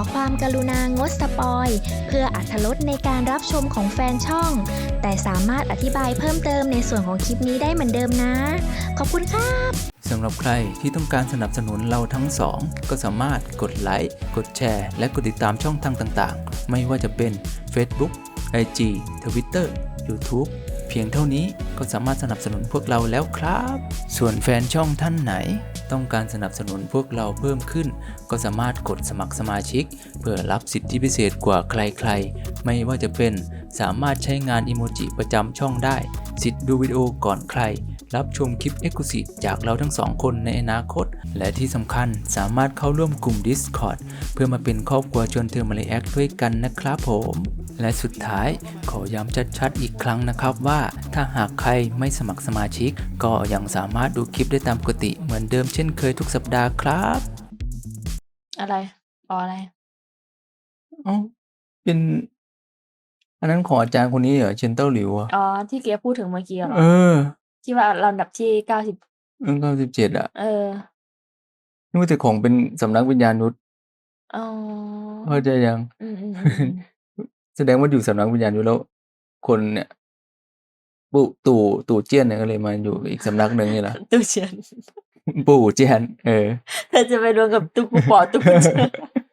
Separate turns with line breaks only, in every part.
ความกรุณางดสปอยเพื่ออรรถรสในการรับชมของแฟนช่องแต่สามารถอธิบายเพิ่มเติมในส่วนของคลิปนี้ได้เหมือนเดิมนะขอบคุณค่ะ
สำหรับใครที่ต้องการสนับสนุนเราทั้งสองก็สามารถกดไลค์กดแชร์และกดติดตามช่องทางต่างๆไม่ว่าจะเป็น Facebook IG Twitter YouTube เพียงเท่านี้ก็สามารถสนับสนุนพวกเราแล้วครับส่วนแฟนช่องท่านไหนต้องการสนับสนุนพวกเราเพิ่มขึ้นก็สามารถกดสมัครสมาชิกเพื่อรับสิทธิพิเศษกว่าใครๆไม่ว่าจะเป็นสามารถใช้งานอิโมจิประจำช่องได้สิทธิ์ดูวิดีโอก่อนใครรับชมคลิป Exclusive จากเราทั้งสองคนในอนาคตและที่สำคัญสามารถเข้าร่วมกลุ่ม Discord เพื่อมาเป็นครอบครัวชวนเธอมาเลแอคด้วยกันนะครับผมและสุดท้ายขอย้ำชัดๆอีกครั้งนะครับว่าถ้าหากใครไม่สมัครสมาชิกก็ยังสามารถดูคลิปได้ตามปกติเหมือนเดิมเช่นเคยทุกสัปดาห์ครับ
อะไรอะไร
อ๋อเป็นอันนั้นของอาจารย์คนนี้เหรอเชนเต้าหลิวอ่ะ
ที่เกียพูดถึงเมื่อกี้เหรอที่ว่าลำดับที่90
97อ่ะนี่ว่าแต่ของเป็นสำนักวิญญาณนุชเข้าใจยังแสดงว่าอยู่สำนักวิญญาณนุชแล้วคนเนี่ยตู่เจี้ยนเนี่ยก็เลยมาอยู่อีกสำนักหนึ่งนี่แหละ
ตู่เจียน
ปู่เจี้ยนเ
ธอจะไปรวมกับตู่กูปอตู่เจียน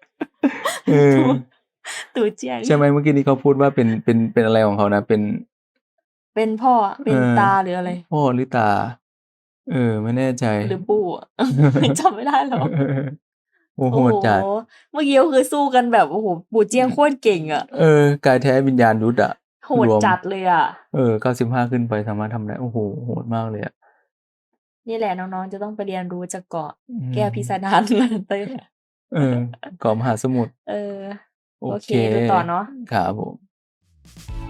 ตู่เจียน
ใช่ไหมเมื่อกี้นี้เขาพูดว่าเป็นอะไรของเขานะ
เป็นพ่อเป็นตาหรืออะไร
พ่อหรือตาไม่แน่ใจ
หรือปู่จำไม่ได้หรอก
โอ้โหจัด
เมื่อกี้ก็คือสู้กันแบบโอ้โหปู่เจียงโคตรเก่งอ่ะ
กายแท้วิญญาณยุทธอ่ะ
โหดจัดเลยอ่ะ
95ขึ้นไปสามารถทำได้โอ้โหโหดมากเลยอ่ะ
นี่แหละน้องๆจะต้องไปเรียนรู้จากเกาะแก้วพิสดารนั่นเต้
เกาะมหาสมุทร
โอเคดูต่อเนาะ
ครับผม